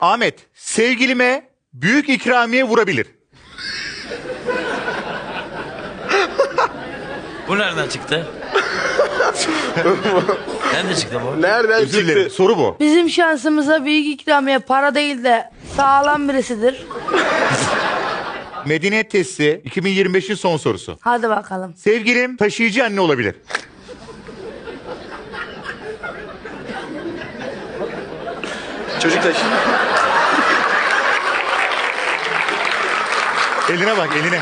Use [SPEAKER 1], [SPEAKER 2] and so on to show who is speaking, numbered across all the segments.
[SPEAKER 1] Ahmet, sevgilime büyük ikramiye vurabilir.
[SPEAKER 2] Bu nereden çıktı? Nereden çıktı bu?
[SPEAKER 3] Nereden
[SPEAKER 1] Özür dilerim,
[SPEAKER 3] çıktı?
[SPEAKER 1] soru bu.
[SPEAKER 4] Bizim şansımıza büyük ikramiye para değil de sağlam birisidir.
[SPEAKER 1] Medeniyet testi 2025'in son sorusu.
[SPEAKER 4] Hadi bakalım.
[SPEAKER 1] Sevgilim taşıyıcı anne olabilir.
[SPEAKER 3] Çocuk taşı.
[SPEAKER 1] Eline bak, eline.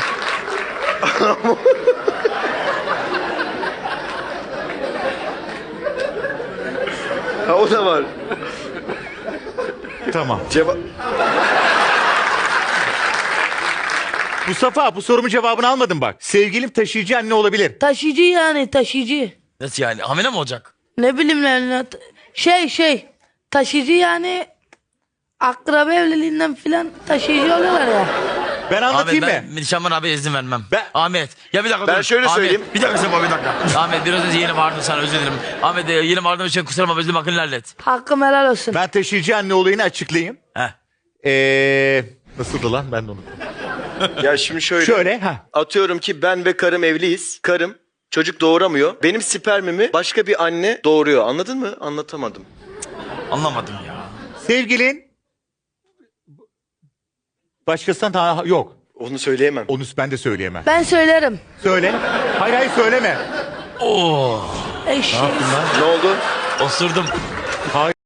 [SPEAKER 3] Ha, o da var.
[SPEAKER 1] Tamam.
[SPEAKER 3] Cevap.
[SPEAKER 1] Mustafa, bu sorumun cevabını almadın bak. Sevgilim taşıyıcı anne olabilir.
[SPEAKER 4] Taşıyıcı yani taşıyıcı.
[SPEAKER 2] Nasıl yani? Hamile mi olacak?
[SPEAKER 4] Ne bileyim yani. Taşıyıcı yani akraba evliliğinden filan taşıyıcı oluyorlar ya.
[SPEAKER 1] Ben anlatayım
[SPEAKER 2] Ahmet
[SPEAKER 1] mı?
[SPEAKER 2] ben Şaman abi izin vermem.
[SPEAKER 1] Ben-
[SPEAKER 2] Ahmet ya bir dakika
[SPEAKER 3] Ben
[SPEAKER 2] dur.
[SPEAKER 3] şöyle
[SPEAKER 2] Ahmet,
[SPEAKER 3] söyleyeyim.
[SPEAKER 2] Bir dakika Şaman bir dakika. Ahmet biraz önce yeni bağırdım sana özür dilerim. Ahmet yeni bağırdığım için kusura bakma özür hakkını hallet.
[SPEAKER 4] Hakkım helal olsun.
[SPEAKER 1] Ben taşıyıcı anne olayını açıklayayım.
[SPEAKER 2] Heh.
[SPEAKER 1] Nasıldı lan? Ben de unuttum.
[SPEAKER 3] Ya şimdi şöyle.
[SPEAKER 1] Şöyle, ha.
[SPEAKER 3] Atıyorum ki ben ve karım evliyiz. Karım çocuk doğuramıyor. Benim spermimi başka bir anne doğuruyor. Anladın mı? Anlatamadım.
[SPEAKER 2] Anlamadım ya.
[SPEAKER 1] Sevgilin başkasından daha yok.
[SPEAKER 3] Onu söyleyemem.
[SPEAKER 1] Onu ben de söyleyemem.
[SPEAKER 4] Ben söylerim.
[SPEAKER 1] Söyle. Hayır hayır söyleme.
[SPEAKER 2] Oo.
[SPEAKER 4] Eşek.
[SPEAKER 3] Ne oldu?
[SPEAKER 2] Osurdum.
[SPEAKER 1] Hayır.